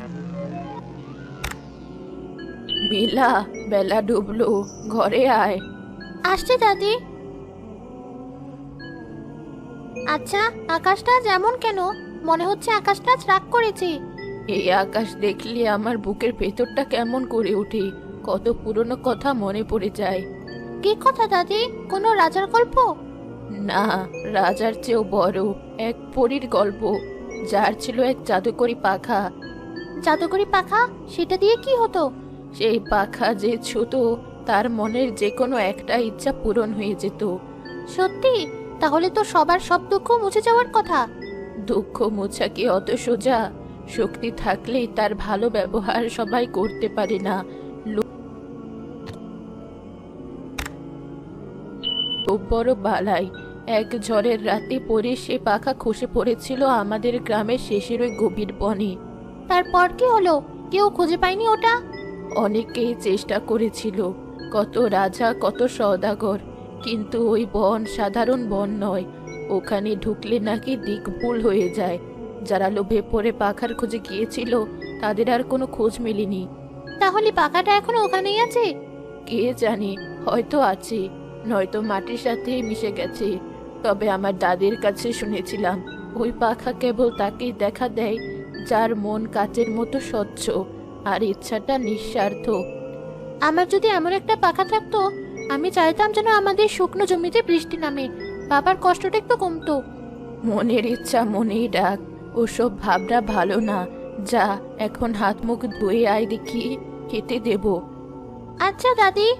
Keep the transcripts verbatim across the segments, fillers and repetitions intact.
মিলা, বেলা ডুবলো, ঘরে আয়। আসছে দাদি। আচ্ছা, আকাশটা যেমন কেন? মনে হচ্ছে আকাশটা আজ রাগ করেছে। এই আকাশ দেখলে আমার বুকের ভেতরটা কেমন করে ওঠে, কত পুরনো কথা মনে পড়ে যায়। কি কথা দাদি? কোনো রাজার গল্প? না, রাজার চেয়েও বড় এক পরীর গল্প, যার ছিল এক জাদুকরি পাখা। জাদুকরি পাখা? সেটা দিয়ে কি হতো? সেই পাখা যে ছুতো, তার মনের যে কোনো একটা ইচ্ছা পূরণ হয়ে যেত। সত্যি? তাহলে তো সবার সব দুঃখ মুছে যাওয়ার কথা। দুঃখ মোছা কি অত সোজা? শক্তি থাকলেই তার ভালো ব্যবহার সবাই করতে পারে না। খুব বড় বালাই। এক ঝড়ের রাতে পরে সে পাখা খসে পড়েছিল আমাদের গ্রামের শেষের ওই গভীর বনে। তারপর কি হলো? কেউ খুঁজে পায়নি ওটা? অনেকেই চেষ্টা করেছিল, কত রাজা, কত সওদাগর, কিন্তু ওই বন সাধারণ বন নয়। ওখানে ঢুকলে নাকি দিক ভুল হয়ে যায়। যারা লোভে পড়ে পাখার খোঁজে গিয়েছিল, তাদের আর কোনো খোঁজ মেলেনি। তাহলে পাখাটা এখনো ওখানেই আছে? কে জানে, হয়তো আছে, নয়তো মাটির সাথে মিশে গেছে। তবে আমার দাদির কাছে শুনেছিলাম, ওই পাখা কেবল তাকেই দেখা দেয় যার মন কাচের মতো স্বচ্ছ আর ইচ্ছাটা নিঃস্বার্থ। আমার যদি এমন একটা পাখা থাকতো, আমি চাইতাম যেন আমাদের শুকনো জমিতে বৃষ্টি নামে, বাবার কষ্টটা একটু কমতো। মনের ইচ্ছা মনেই ডাক, ওসব ভাবনা ভালো না। যা, এখন হাত মুখ ধুয়ে আয় দেখি, খেতে দেব। আচ্ছা দাদি।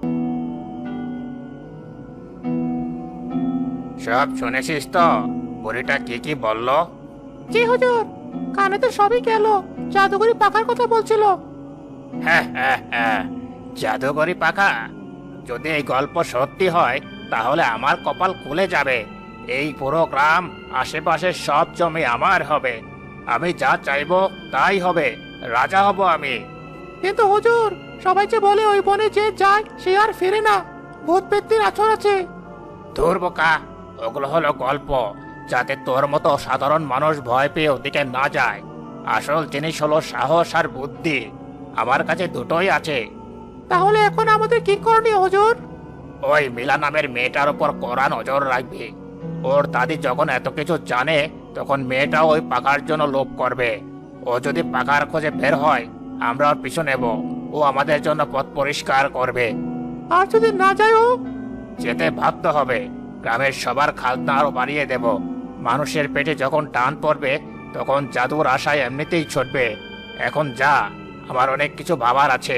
সব শুনেছিস তো? বুড়িটা কি কি বললো? জি হুজুর, কানে তো সবই গেল। জাদুকরি পাখার কথা বলছিল। হ্যাঁ হ্যাঁ হ্যাঁ, জাদুকরি পাখা। যদি এই গল্প সত্যি হয়, তাহলে আমার কপাল খুলে যাবে। এই পুরো গ্রাম, আশেপাশের সব জমি আমার হবে। আমি যা চাইবো তাই হবে, রাজা হব আমি। কিন্তু হুজুর, সবাই যে বলে ওই বনে যে যায় সে আর ফেরে না, ভূত পেত্তির আছর আছে। ধুর বোকা, ওগুলো হলো গল্প, যাতে তোর মতো সাধারণ মানুষ ভয় পেয়ে ওদিকে না যায়। আসল জিনিস হলো সাহস আর বুদ্ধি। আমার কাছে দুটোই আছে। তাহলে এখন আমাদের কি করণীয় হুজুর? ওই মিলা নামের মেয়েটার উপর কড়া নজর রাখবি। ওর দাদি যখন এত কিছু জানে, তখন মেয়েটাও ওই পাকার জন্য লোভ করবে। ও যদি পাকার খোঁজে বের হয়, আমরা ওর পিছু নেব। ও আমাদের জন্য পথ পরিষ্কার করবে। আর যদি না যায় ও? যেতে ভাবতে হবে। গ্রামের সবার খাজনা আরো বাড়িয়ে দেব। মানুষের পেটে যখন টান পড়বে, তখন জাদুর আশায় এমনিতেই ছুটবে। এখন যা, আমার অনেক কিছু ভাবার আছে।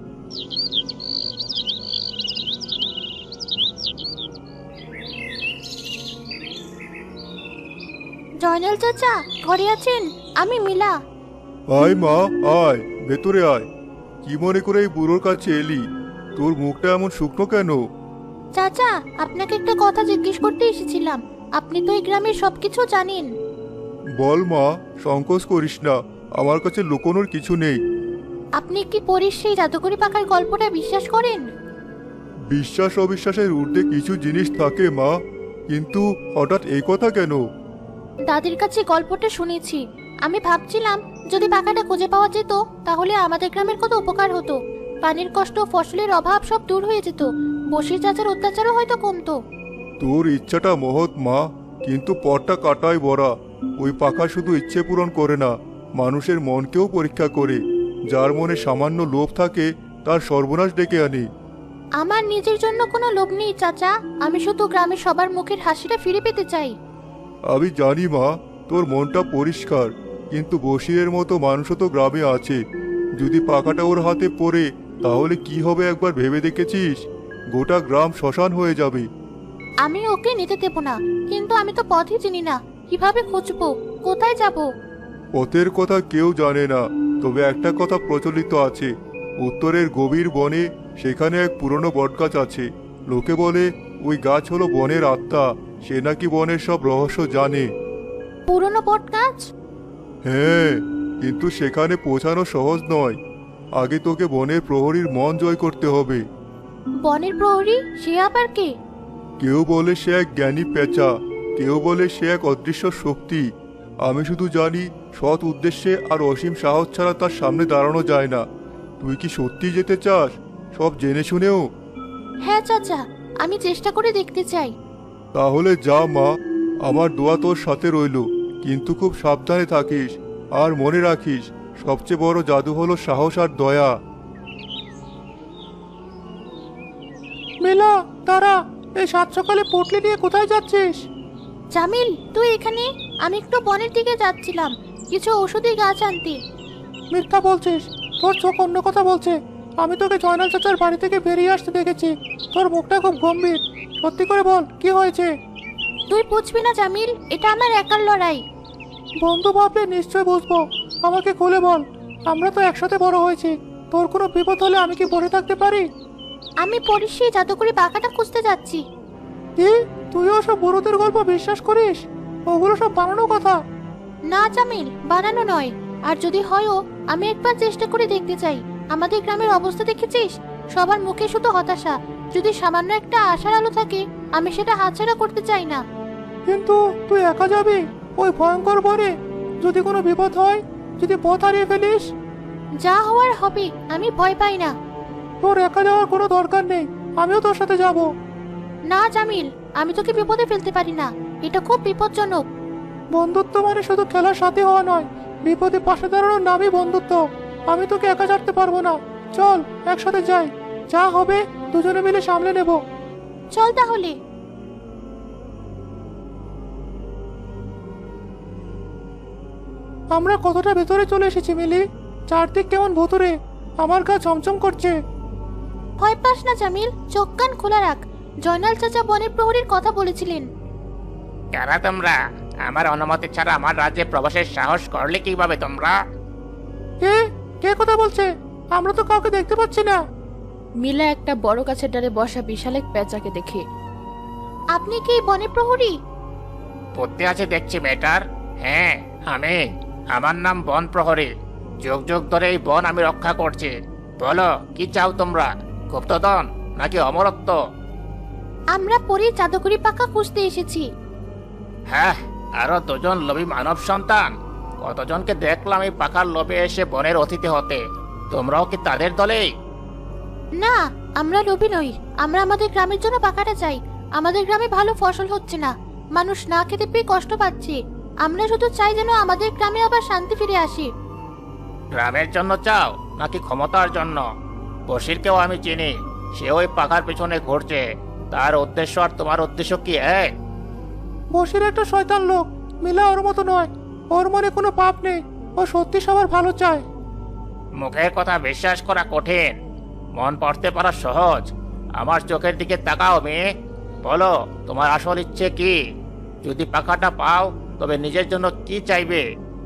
জয়নাল চাচা, ঘরে আছেন? আমি মিলা। আয় মা, আয় ভেতরে আয়। কি মনে করে এই বুড়োর কাছে এলি? তোর মুখটা এমন শুকনো কেন? চাচা, আপনাকে একটা কথা জিজ্ঞেস করতে এসেছিলাম। আপনি তো এই গ্রামের সবকিছু জানেন। বল মা, সংকোচ করিস না, আমার কাছে লুকোনোর কিছু নেই। আপনি কি পরীর সেই জাদুকরি পাখার গল্পটা বিশ্বাস করেন? বিশ্বাস অবিশ্বাসের ঊর্ধ্বে কিছু জিনিস থাকে মা, কিন্তু হঠাৎ এই কথা কেন? দাদির কাছে গল্পটা শুনেছি। আমি ভাবছিলাম, যদি পাখাটা খুঁজে পাওয়া যেত, তাহলে আমাদের গ্রামের কত উপকার হতো। পানির কষ্ট, ফসলের অভাব সব দূর হয়ে যেত। বসির চাচার অত্যাচারও হয়তো কমতো। তোর ইচ্ছাটা মহৎ মা, কিন্তু পথটা কাটায় ভরা। ওই পাখা শুধু ইচ্ছে পূরণ করে না, মানুষের মনকেও পরীক্ষা করে। যার মনে সামান্য লোভ থাকে, তার সর্বনাশ ডেকে আনে। আমার নিজের জন্য কোনো লোভ নেই চাচা। আমি শুধু গ্রামের সবার মুখের হাসিটা ফিরে পেতে চাই। আমি জানি মা, তোর মনটা পরিষ্কার, কিন্তু বশিরের মতো মানুষও তো গ্রামে আছে। যদি পাখাটা ওর হাতে পড়ে, তাহলে কি হবে একবার ভেবে দেখেছিস? গোটা গ্রাম শ্মশান হয়ে যাবে। আমি ওকে নিতে দেব না, কিন্তু আমি তো পথই চিনি না। কিভাবে খুঁজবো? কোথায় যাব? পথের কথা কেউ জানে না, তবে একটা কথা প্রচলিত আছে। উত্তরের গভীর বনে, সেখানে এক পুরনো বটগাছ আছে। লোকে বলে ওই গাছ হলো বনের আত্মা, সে নাকি বনের সব রহস্য জানে। পুরনো বট গাছ? হ্যাঁ, কিন্তু সেখানে পৌঁছানো সহজ নয়। আগে তোকে বনের প্রহরীর মন জয় করতে হবে। বনের প্রহরী? সে আবার কে? কেউ বলে সে এক জ্ঞানী পেঁচা, কেউ বলে সে এক অদৃশ্য শক্তি। আমি শুধু জানি সৎ উদ্দেশ্যে আর অসীম সাহস ছাড়া তার সামনে দাঁড়ানো যায় না। তুই কি সত্যি যেতে চাস, সব জেনে শুনেও? হ্যাঁ চাচা, আমি চেষ্টা করে দেখতে চাই। তাহলে যা মা, আমার দোয়া তোর সাথে রইল। কিন্তু খুব সাবধানে থাকিস, আর মনে রাখিস সবচেয়ে বড় জাদু হলো সাহস আর দয়া। মিলা, দাঁড়া, এই সাত সকালে পটলি নিয়ে কোথায় যাচ্ছিস? জামিল, তুই এখানে? আমি একটু বনের দিকে যাচ্ছিলাম কিছু ঔষধি গাছ আনতে। মিথ্যা বলছিস, তোর চোখ অন্য কথা বলছে। আমি তোকে জয়নাল চাচার বাড়ি থেকে বেরিয়ে আসতে দেখেছি। তোর মুখটা খুব গম্ভীর। সত্যি করে বল, কি হয়েছে? তুই বুঝবি না জামিল, এটা আমার একার লড়াই। বন্ধু ভাবলে নিশ্চয় বুঝবো। আমাকে খুলে বল, আমরা তো একসাথে বড় হয়েছি। তোর কোনো বিপদ হলে আমি কি বসে থাকতে পারি? আমি পরির সেই জাদুকরি পাখাটা খুঁজতে যাচ্ছি। কি, তুইও সব বুড়োদের গল্প বিশ্বাস করিস? ওগুলো সব বানানো কথা। না জামিল, বানানো নয়। আর যদি হয়ও, আমি একবার চেষ্টা করে দেখতে চাই। আমাদের গ্রামের অবস্থা দেখেছিস? সবার মুখে শুধু হতাশা। যদি সামান্য একটা আশার আলো থাকে, আমি সেটা হাতছাড়া করতে চাই না। কিন্তু তুই একা যাবি ওই ভয়ঙ্কর বনে? যদি কোনো বিপদ হয়, যদি পথ হারিয়ে ফেলিস? যা হওয়ার হবে, আমি ভয় পাই না। তোর একা যাওয়ার কোনো দরকার নেই, আমিও তোর সাথে যাব। না জামিল, আমি তোকে বিপদে ফেলতে পারি না। এটা খুব বিপজ্জনক। বন্ধুত্ব মানে শুধু খেলার সাথে হওয়া নয়, বিপদে পাশে দাঁড়ানোর নামই বন্ধুত্ব। আমি তোকে একা ছাড়তে পারবো না। চল একসাথে যাই, যা হবে দুজনে মিলে সামলে নেব। চল তাহলে। আমরা কতটা ভেতরে চলে এসেছি মিলি। চারদিক কেমন ভুতুরে, আমার গা চমচম করছে। ভয় পাস না জামিল, চোখ কান খোলা রাখ। জয়নাল চাচা বনের প্রহরীর কথা বলেছিলেন। কারা তোমরা? আমার অনুমতি ছাড়া আমার রাজ্যে প্রবেশের সাহস করলে কিভাবে তোমরা? কে কে কথা বলছে? আমরা তো কাউকে দেখতে পাচ্ছি না। মিলা একটা বড় গাছের ডালে বসা বিশাল এক পেঁচাকে দেখে। আপনি কি বনের প্রহরী? বুদ্ধি আছে দেখছি মেয়েটার। হ্যাঁ, আমি। আমার নাম বন প্রহরী। যুগ যুগ ধরে এই বন আমি রক্ষা করছি। বলো, কি চাও তোমরা? গুপ্তধন নাকি অমরত্ব? আমরা পরীর জাদুকরি পাখা খুঁজতে এসেছি। হ্যাঁ, আরো দুজন লোভী মানব সন্তান। কতজনকে দেখলাম এই পাখার লোভে এসে বনের অতিথি হতে। তোমরাও কি তাদের দলেই? না, আমরা লোভী নই। আমরা আমাদের গ্রামের জন্য পাখাটা চাই। আমাদের গ্রামে ভালো ফসল হচ্ছে না, মানুষ না খেতে পেয়ে কষ্ট পাচ্ছে। আমরা শুধু চাই যেন আমাদের গ্রামে আবার শান্তি ফিরে আসে। গ্রামের জন্য চাও নাকি ক্ষমতার জন্য? বশিরকেও আমি চিনি, সে ওই পাখার পেছনে ঘুরছে। তার উদ্দেশ্য আর তোমার উদ্দেশ্য কি এক? বসির একটা শয়তান লোক, মিলা ওর মতো নয়। ওর মনে কোনো পাপ নেই, ও সত্যি সবার ভালো চায়। মুখের কথা বিশ্বাস করা কঠিন, মন পড়তে পারা সহজ। আমার চোখের দিকে তাকাও মেয়ে, বলো তোমার আসল ইচ্ছে কি? যদি পাখাটা পাও তবে নিজের জন্য কি চাইবে?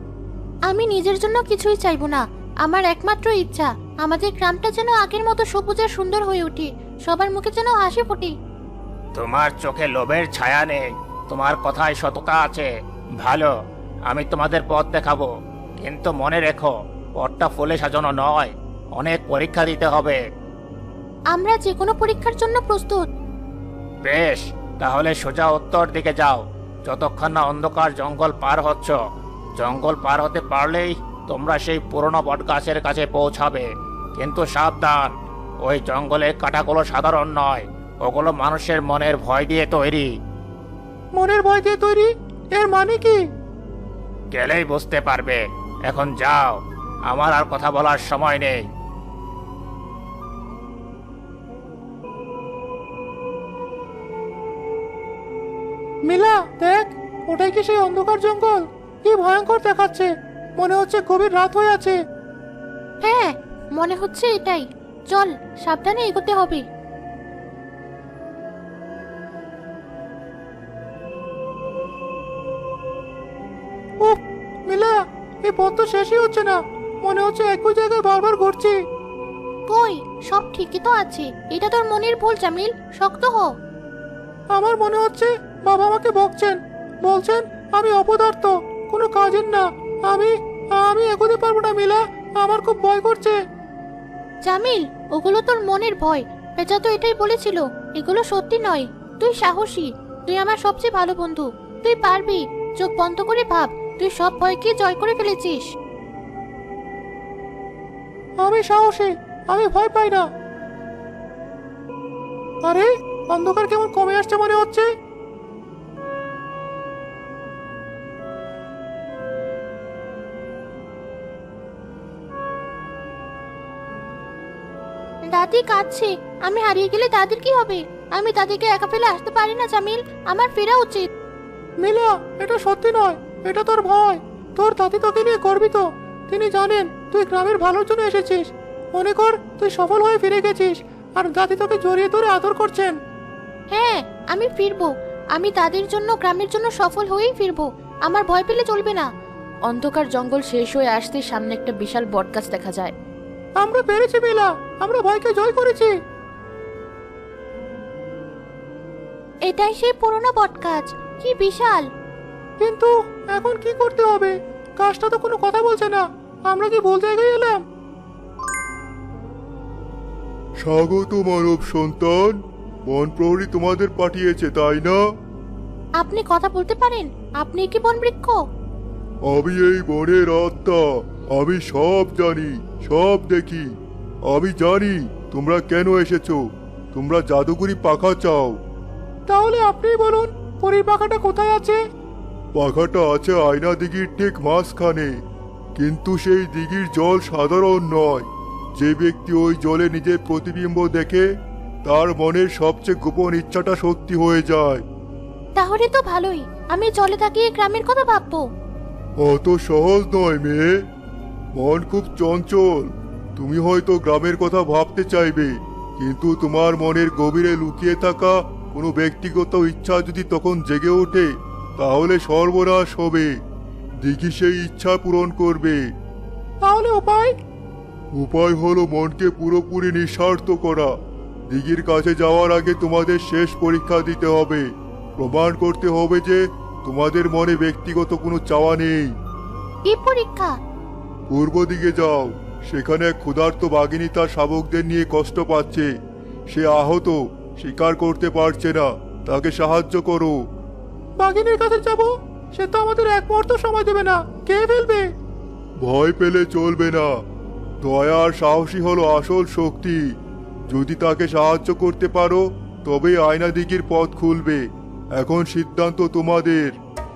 আমি নিজের জন্য কিছুই চাইবো না। আমার একমাত্র ইচ্ছা আমাদের গ্রামটা যেন আগের মতো সবুজ আর সুন্দর হয়ে ওঠে। সবার মুখে যেন হাসি ফোটে। তোমার চোখে লোভের ছায়া নেই, তোমার কথায় সততা আছে। ভালো, আমি তোমাদের পথ দেখাবো। কিন্তু মনে রেখো, পথটা ফুলে সাজানো নয়, অনেক পরীক্ষা দিতে হবে। আমরা যে কোনো পরীক্ষার জন্য প্রস্তুত। বেশ, তাহলে সোজা উত্তর দিকে যাও। যতক্ষণ না অন্ধকার জঙ্গল পার হচ্ছ, জঙ্গল পার হতে পারলেই তোমরা সেই পুরনো বটগাছের কাছে পৌঁছাবে। কিন্তু সাবধান, ওই জঙ্গলের কাঁটাগুলো সাধারণ নয়, ওগুলো মানুষের মনের ভয় দিয়ে তৈরি। মনের ভয় দিয়ে তৈরি? এর মানে কি? গেলেই বুঝতে পারবে। এখন যাও, আমার আর কথা বলার সময় নেই। মিলা দেখ, ওটাই কি সেই অন্ধকার জঙ্গল? কি ভয়ঙ্কর দেখাচ্ছে, মনে হচ্ছে গভীর রাত হয়ে আছে। হ্যাঁ, মনে হচ্ছে এটাই। চল, সাবধানে এগোতে হবে। উফ, মিলা, এই পথ তো শেষই হচ্ছে না। মনে হচ্ছে একই জায়গায় বারবার ঘুরছি। কই, সব ঠিকই তো আছে। এটা তোর মনের ভুল জামিল, শক্ত হ। আমার মনে হচ্ছে বাবা আমাকে বকছেন, বলছেন আমি অপদার্থ, কোনো কাজের না। আমি আমি এগোতে পারবো না মিলা, আমার খুব ভয় করছে। জামিল, ওগুলো তোর মনের ভয়। পেঁচা তো এটাই বলেছিল, এগুলো সত্যি নয়। তুই সাহসী, তুই আমার সবচেয়ে ভালো বন্ধু। তুই পারবি। চোখ বন্ধ করে ভাব, তুই সব ভয়কে জয় করে ফেলেছিস। আমি সাহসী, আমি ভয় পাই না। আরে অন্ধকার কেমন কমে আসছে মনে হচ্ছে। দাদি কাঁদছে। আমি হারিয়ে গেলে দাদির কি হবে? আমি দাদিকে একা ফেলে আসতে পারি না জামিল, আমার ফেরা উচিত। নীলা, এটা সত্যি নয়, এটা তোর ভয়। তোর দাদি তোকে নিয়ে গর্বিত। তিনি জানেন তুই গ্রামের ভালোর জন্য এসেছিস। মনে কর তুই সফল হয়ে ফিরে গেছিস, আর দাদি তোকে জড়িয়ে ধরে আদর করছেন। হ্যাঁ, আমি ফিরবো। আমি দাদির জন্য, গ্রামের জন্য সফল হয়েই ফিরবো। আমার ভয় পেলে চলবে না। অন্ধকার জঙ্গল শেষ হয়ে আসতে সামনে একটা বিশাল বটগাছ দেখা যায়। আমরা পেরেছি নীলা, আমরা ভয়কে জয় করেছি। এটাই সেই পুরনো বটগাছ, কি বিশাল। কিন্তু এখন কি করতে হবে? গাছটা তো কোনো কথা বলছে না। আমরা কি ভুল জায়গায় এলাম? স্বাগত মানব সন্তান, বন প্রহরী তোমাদের পাঠিয়েছে তাই না? আপনি কথা বলতে পারেন? আপনি কি বনবৃক্ষ? আমি এই বনের আত্মা। আমি সব জানি, সব দেখি। আমি জানি তোমরা কেন এসেছো। তোমরা জাদুকরি পাখা চাও। তাহলে আপনিই বলুন, পরীর পাখাটা কোথায় আছে? পাখাটা আছে আয়না দিঘির ঠিক মাঝখানে, কিন্তু সেই দিঘির জল সাধারণ নয়। যে ব্যক্তি ওই জলে নিজের প্রতিবিম্ব দেখে, তার মনের সবচেয়ে গোপন ইচ্ছাটা সত্যি হয়ে যায়। তাহলে তো ভালোই, আমি জলে তাকিয়ে গ্রামের কথা ভাববো। অত সহজ নয় মেয়ে, মন খুব চঞ্চল। তুমি হয়তো গ্রামের কথা ভাবতে চাইবে, কিন্তু তোমার মনের গভীরে লুকিয়ে থাকা কোনো ব্যক্তিগত ইচ্ছা যদি তখন জেগে ওঠে, তাহলে সর্বনাশ হবে। দিঘি সেই ইচ্ছা পূরণ করবে। তাহলে উপায়? উপায় হলো মনকে পুরোপুরি নিঃস্বার্থ করা। দিঘির কাছে যাওয়ার আগে তোমাদের শেষ পরীক্ষা দিতে হবে। প্রমাণ করতে হবে যে তোমাদের মনে ব্যক্তিগত কোনো চাওয়া নেই। কি পরীক্ষা? পূর্ব দিকে যাও। সেখানে এক ক্ষুধার্ত বাঘিনী তার শাবকদের নিয়ে কষ্ট পাচ্ছে। সে আহত, শিকার করতে পারছে না। তাকে সাহায্য করো। বাঘিনীর কাছে যাব? সে তো আমাদের এক মুহূর্ত সময় দেবে না, কে ফেলবে। ভয় পেলে চলবে না। দয়া আর সাহসী হলো আসল শক্তি। যদি তাকে সাহায্য করতে পারো, তবে আয়না দিঘির পথ খুলবে। এখন সিদ্ধান্ত তোমাদের।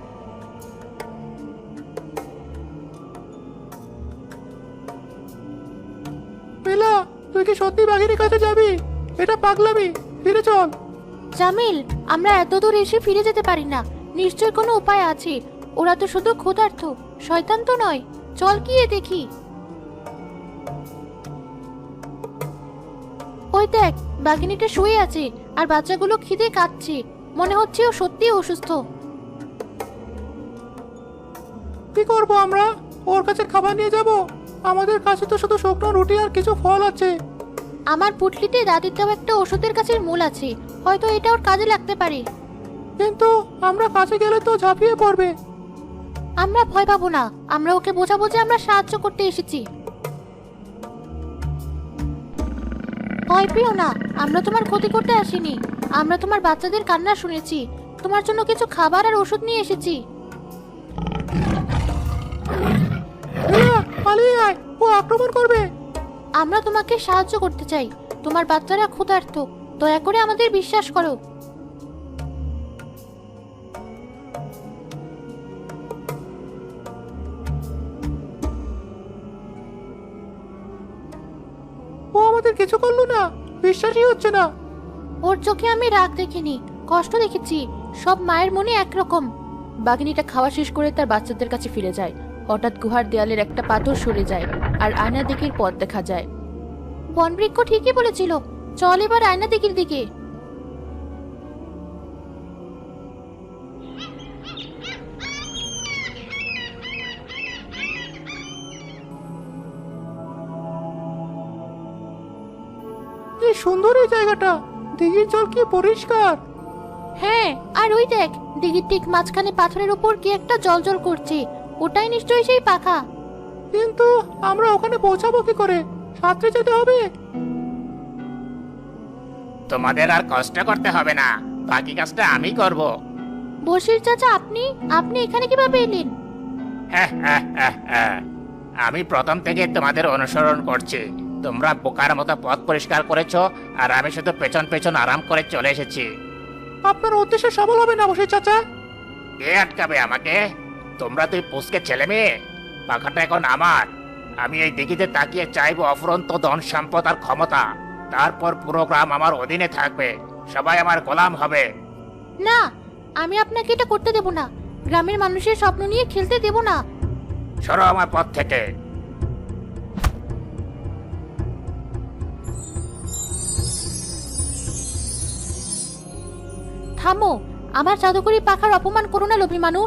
বেলা, তুই কি সত্যি বাঘিনীর কাছে যাবি? এটা পাগলামি, ফিরে চল। জামিল, আমরা এত দূর এসে ফিরে যেতে পারি না। নিশ্চয় কোনো উপায় আছে। ওরা তো শুধু ক্ষুধার্ত, শয়তান তো নয়। চল গিয়ে দেখি। ওই দেখ, বাঘিনীটা শুয়ে আছে আর বাচ্চাগুলো খিদে কাঁদছে। মনে হচ্ছে ও সত্যি অসুস্থ। কি করব আমরা? ওর কাছে খাবার নিয়ে যাব? আমাদের কাছে তো শুধু শুকনো রুটি আর কিছু ফল আছে। আমার পুটলিতে দাদির দেওয়া একটা ওষুধের গাছের মূল আছে, হয়তো এটা ওর কাজে লাগতে পারে। কিন্তু আমরা কাছে গেলে তো ঝাঁপিয়ে পড়বে। আমরা ভয় পাবো না। আমরা ওকে বোঝাবো যে আমরা সাহায্য করতে এসেছি। ভয় পেও না, আমরা তোমার ক্ষতি করতে আসিনি। আমরা তোমার বাচ্চাদের কান্না শুনেছি। তোমার জন্য কিছু খাবার আর ওষুধ নিয়ে এসেছি। বেলা, পালিয়ে আয়, ও আক্রমণ করবে। আমরা তোমাকে সাহায্য করতে চাই। তোমার বাচ্চারা ক্ষুধার্ত, দয়া করে আমাদের বিশ্বাস করো। ও আমাদের কিছু করলো না, বিশ্বাসই হচ্ছে না। ওর চোখে আমি রাগ দেখিনি, কষ্ট দেখেছি। সব মায়ের মনে একরকম। বাঘিনীটা খাওয়া শেষ করে তার বাচ্চাদের কাছে ফিরে যায়। হঠাৎ গুহার দেয়ালের একটা পাথর সরে যায় আর আয়না দিঘির পথ দেখা যায়। বনবৃক্ষ ঠিকই বলেছিল, চল এবার আয়না দিঘির দিকে। কি সুন্দর এই জায়গাটা, দিঘির জল কি পরিষ্কার। হ্যাঁ, আর ওই দেখ, দিঘির ঠিক মাঝখানে পাথরের উপর কি একটা জলজল করছে। ওটাই নিশ্চয়ই সেই পাখা। কিন্তু আমরা ওখানে পৌঁছাবো কি করে? সাঁতরে যেতে হবে। তোমাদের আর কষ্ট করতে হবে না, বাকি কাজটা আমি করব। বশির চাচা, আপনি আপনি এখানে কিভাবে এলেন? আমি প্রথম থেকে তোমাদের অনুসরণ করছি। তোমরা বোকার মতো পথ পরিষ্কার করেছো, আর আমি শুধু পেছন পেছন আরাম করে চলে এসেছি। আপনার উদ্দেশ্য সফল হবে না বসির চাচা। কে আটকাবে আমাকে? তোমরা তুই পুষকে ছেলে মেয়ে? পাখাটা এখন আমার। আমি এই দিঘিতে তাকিয়ে চাইবো অফুরন্ত ধন সম্পদ আর ক্ষমতা। তারপর পুরো গ্রাম আমার অধীনে থাকবে, সবাই আমার গোলাম হবে। না, আমি আপনাকে এটা করতে দেব না। গ্রামের মানুষের স্বপ্ন নিয়ে খেলতে দেব না। সরো আমার পথ থেকে। থামো, আমার জাদুকরি পাখার অপমান করো না লোভী মানুষ।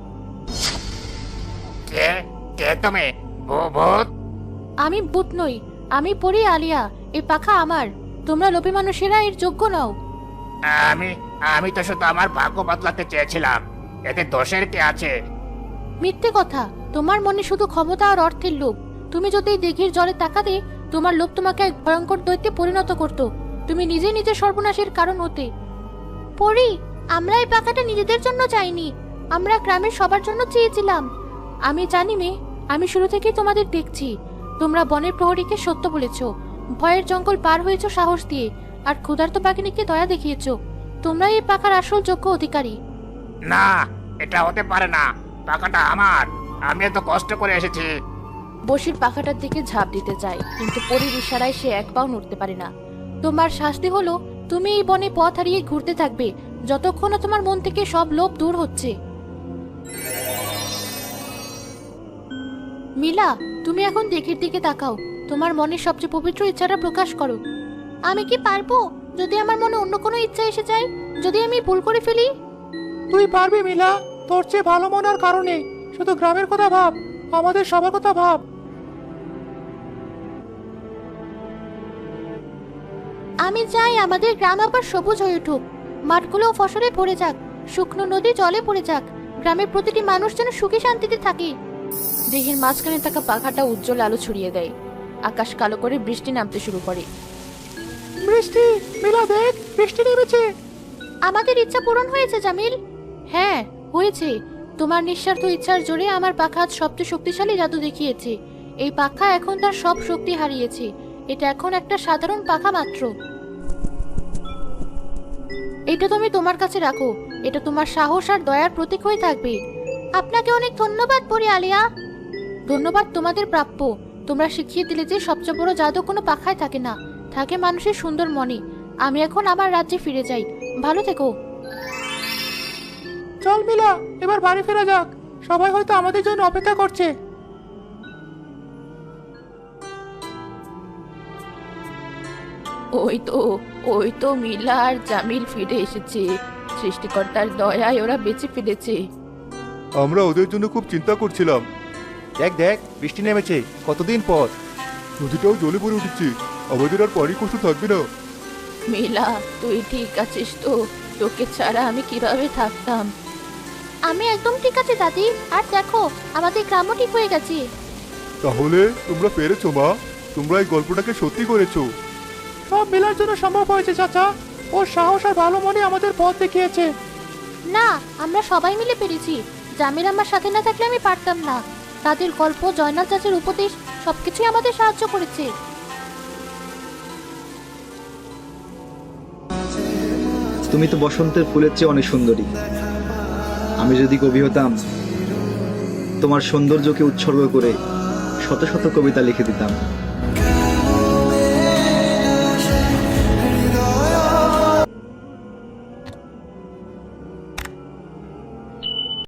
কে কে তুমি? ভূত? আমি ভূত নই, আমি পড়ি আলিয়া। এই পাখা আমার। তোমরা লোভী মানুষেরা এর যোগ্য নও। আমি আমি তো শুধু আমার ভাগ্য বদলাতে চেয়েছিলাম, এতে দোষের কে আছে? মিথ্যে কথা। তোমার মনে শুধু ক্ষমতা আর অর্থের লোভ। তুমি যদি এই দিঘির জলে তাকাতে, তোমার লোভ তোমাকে এক ভয়ঙ্কর দৈত্যে পরিণত করত। তুমি নিজে নিজে সর্বনাশের কারণ হতে। পরি, আমরা এই পাখাটা নিজেদের জন্য চাইনি, আমরা গ্রামের সবার জন্য চেয়েছিলাম। আমি জানি মেয়ে, আমি শুরু থেকেই তোমাদের দেখছি। তোমরা বনের প্রহরীকে সত্য বলেছো, ভয়ের জঙ্গল পার হয়েছো সাহস দিয়ে, আর ক্ষুধার্ত পাখিনীকে দয়া দেখিয়েছো। তোমরা এই পাখার আসল যোগ্য অধিকারী। না, এটা হতে পারে না। টাকাটা আমার, আমি এত কষ্ট করে এসেছি। বসির পাখাটার দিকে ঝাঁপ দিতে চায়, কিন্তু পরীর ইশারায় সে এক পাও নড়তে পারে না। তোমার শাস্তি হলো তুমি এই বনে পথ হারিয়ে ঘুরতে থাকবে যতক্ষণ না তোমার মন থেকে সব লোভ দূর হচ্ছে। মিলা, তুমি এখন দিঘির দিকে তাকাও। তোমার মনের সবচেয়ে পবিত্র ইচ্ছাটা প্রকাশ করো। আমি কি পারবো যদি আমার মনে অন্য কোনো ইচ্ছা এসে যায়? যদি আমি ভুল করে ফেলি? তুই পারবি মিলা, তোর চেয়ে ভালো মনার কারণে। শুধু গ্রামের কথা ভাব, আমাদের সবার কথা ভাব। আমি চাই আমাদের গ্রাম আবার সবুজ হয়ে উঠুক, মাঠগুলো ফসলে ভরে যাক, শুকনো নদী জলে পড়ে যাক, গ্রামের প্রতিটি মানুষ যেন সুখে শান্তিতে থাকে। দিঘির মাঝখানে থাকা পাখাটা উজ্জ্বল আলো ছড়িয়ে দেয়। আকাশ কালো করে বৃষ্টি নামতে শুরু করে। বৃষ্টি, মিলা দেখ, বৃষ্টি নেমেছে। আমাদের ইচ্ছা পূরণ হয়েছে জামিল। হ্যাঁ, হয়েছে। তোমার নিঃস্বার্থ ইচ্ছার জোরে আমার পাখা আজ সবচেয়ে শক্তিশালী জাদু দেখিয়েছে। এই পাখা এখন তার সব শক্তি হারিয়েছে। এটা এখন একটা সাধারণ পাখা মাত্র। এটা তুমি তোমার কাছে রাখো। এটা তোমার সাহস আর দয়ার প্রতীক হয়ে থাকবে। আপনাকে অনেক ধন্যবাদ পরি আলিয়া। ধন্যবাদ তোমাদের প্রাপ্য। তোমরা শিখিয়ে দিলে যে সবচেয়ে বড় জাদু কোনো পাখায় থাকে না, থাকে মানুষের সুন্দর মনে। আমি এখন আমার রাজ্যে ফিরে যাই। ভালো থেকো। চল মিলা, এবার বাড়ি ফেরা যাক। সবাই হয়তো আমাদের জন্য অপেক্ষা করছে। ওই তো ওই তো মিলা আর জামিল ফিরে এসেছে। সৃষ্টিকর্তার দয়ায় ওরা বেঁচে ফিরেছে। আমরা ওদের জন্য খুব চিন্তা করছিলাম। দেখ দেখ, বৃষ্টি নেমেছে কতদিন পর। নদীটাও জলে ভরে উঠেছে, আমাদের আর পানি কষ্ট থাকবে না। মিলা, তুই ঠিক আছিস তো? তোকে ছাড়া আমি কিভাবে থাকতাম? আমি একদম ঠিক আছে দাদি। আর দেখো, আমাদের গ্রামও ঠিক হয়ে গেছে। তাহলে তোমরা পেরেছো মা, তোমরা এই গল্পটাকে সত্যি করেছো। সব মিলার জন্য সম্ভব হয়েছে চাচা। ওর সাহস আর ভালো মনে আমাদের পথ দেখিয়েছে। না, আমরা সবাই মিলে পেরেছি। জামিল আমার সাথে না থাকলে আমি পারতাম না। তাদের গল্প, জয়নাল চাচার উপদেশ সবকিছুই আমাদের সাহায্য করেছে। তুমি তো বসন্তের ফুলের চেয়ে অনেক সুন্দরী। আমি যদি কবি হতাম, তোমার সৌন্দর্যকে উৎসর্গ করে শত শত কবিতা লিখে দিতাম।